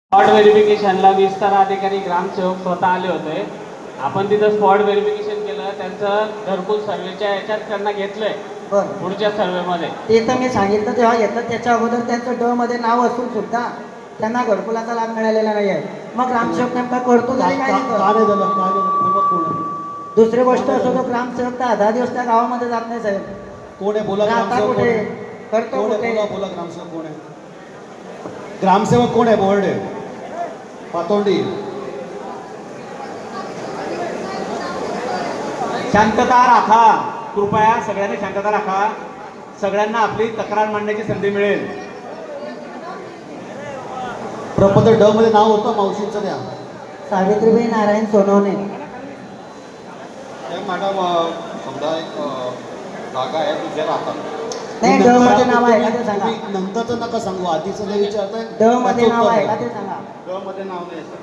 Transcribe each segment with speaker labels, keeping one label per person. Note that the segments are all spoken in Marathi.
Speaker 1: स्पॉट व्हेरिफिकेशनला विस्तार अधिकारी ग्रामसेवक स्वतः आले होते. आपण तिथं स्पॉट व्हेरिफिकेशन केलं, त्यांचं घरकुल सर्वेच्या याच्यात त्यांना घेतलंय
Speaker 2: बरं,
Speaker 1: पुढच्या सर्वेमध्ये.
Speaker 2: ते तर मी सांगितलं जेव्हा येतं त्याच्या अगोदर त्यांचं ड मध्ये नाव असून सुद्धा त्यांना घरकुलाचा लाभ मिळालेला नाही आहे. मग ग्रामसेवक नेमका करतो तरी काय नाही करत? दुसरी गोष्ट असो, तो ग्रामसेवक तर 10 दिवस त्या गावामध्ये जात नाही साहेब.
Speaker 3: कोण आहे बोला?
Speaker 2: राहता
Speaker 3: ग्रामसेवक कोण
Speaker 2: कुठे,
Speaker 3: आहे?
Speaker 2: करतो
Speaker 3: कोण आहे?
Speaker 2: कुठे?
Speaker 3: बोला बोला, ग्रामसेवक कोण आहे? ग्रामसेवक कोण आहे? बोर्डे पातोंडी.
Speaker 4: शांतता राखा, कृपया सगळ्यांनी शांतता राखा. सगळ्यांना आपली तक्रार मांडण्याची संधी मिळेल.
Speaker 3: प्रपत्र ड मध्ये नाव होतं मावशींचं द्या.
Speaker 2: सावित्रीबाई नारायण सोनवणे.
Speaker 5: मॅडम, समजा एक जागा आहे तुझ्या राहतात.
Speaker 2: नाही, ड मध्ये नाव आहे का ते सांगा.
Speaker 3: तुम्ही नंतरचं नका सांगू, आधीचं नाही विचारताय.
Speaker 2: ड मध्ये नाव आहे का ते सांगा.
Speaker 5: ड मध्ये नाव नाही सर.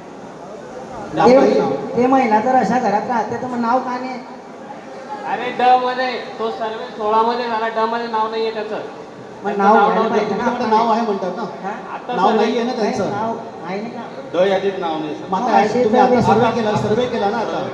Speaker 2: ते महिला जर अशा घरात राहते तर मग नाव का नाही?
Speaker 1: अरे ड मध्ये तो सर्वे 16 मध्ये झाला, ड मध्ये नाव नाहीये त्याचं.
Speaker 2: मग नाव घ्यायला
Speaker 1: नव्हतं.
Speaker 2: पाहिजे ना.
Speaker 3: तुमच्याकडे नाव आहे म्हणतात ना,
Speaker 2: हा?
Speaker 1: आता
Speaker 3: नाव
Speaker 1: सर्वे-
Speaker 3: नाही आहे ना
Speaker 2: नाही,
Speaker 3: त्यांचं.
Speaker 2: नाव आहे नाही का?
Speaker 5: ड यादीत नाव नाही सर.
Speaker 3: मग
Speaker 2: मग
Speaker 3: आता
Speaker 2: अशी
Speaker 3: तुम्ही आता
Speaker 2: सर्वे-
Speaker 3: सर्वे केला ना आता.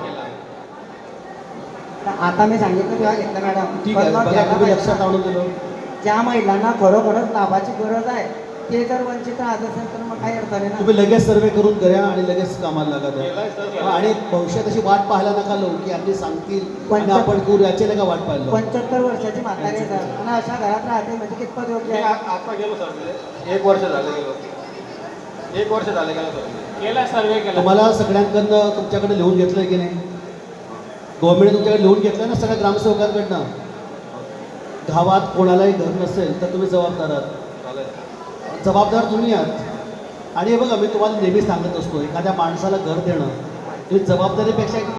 Speaker 2: तर आता मी सांगितलं तेव्हा घेतलं मॅडम.
Speaker 3: ठीक आहे,
Speaker 2: पण मग
Speaker 3: बघा
Speaker 2: घ्यायला
Speaker 3: तुम्ही
Speaker 2: पाहिजे
Speaker 3: लक्षात
Speaker 2: ना.
Speaker 3: आणून दिलं.
Speaker 2: ज्या महिलांना खरोखरच लाभाची गरज आहे ते जर वंचित राहत असेल तर मग काय अर्थ आहे ना.
Speaker 3: तुम्ही लगेच सर्वे करून घ्या आणि लगेच कामाला लागा द्या.
Speaker 5: केलाय सर, केलाय.
Speaker 3: आणि भविष्यात अशी वाट पाहायला नका लो की आपली सांगतील आणि आपण करू, याची नका वाट पाहायला.
Speaker 2: 75 वर्षाची म्हातारी आहे सर. पुन्हा अशा घरात राहते म्हणजे कितपत योग्य
Speaker 5: मी
Speaker 2: आहे?
Speaker 5: आता गेलो सर तिथे. 1 वर्ष झालं गेलो. 1 वर्ष झालं गेलो सर तिथे.
Speaker 1: केला सर्वे केला.
Speaker 3: तुम्हाला सगळ्यांकडनं तुमच्याकडे लिहून घेतलंय की नाही? गव्हर्नमेंटने तुमच्याकडे लिहून घेतलंय ना सगळ्या ग्रामसेवकांकडनं. गावात कोणालाही घर नसेल तर तुम्ही जबाबदार आहात.
Speaker 5: चालेल.
Speaker 3: जबाबदार तुम्ही आहात. आणि हे बघा, मी तुम्हाला नेहमी सांगत असतो, एखाद्या माणसाला घर देणं ही जबाबदारीपेक्षा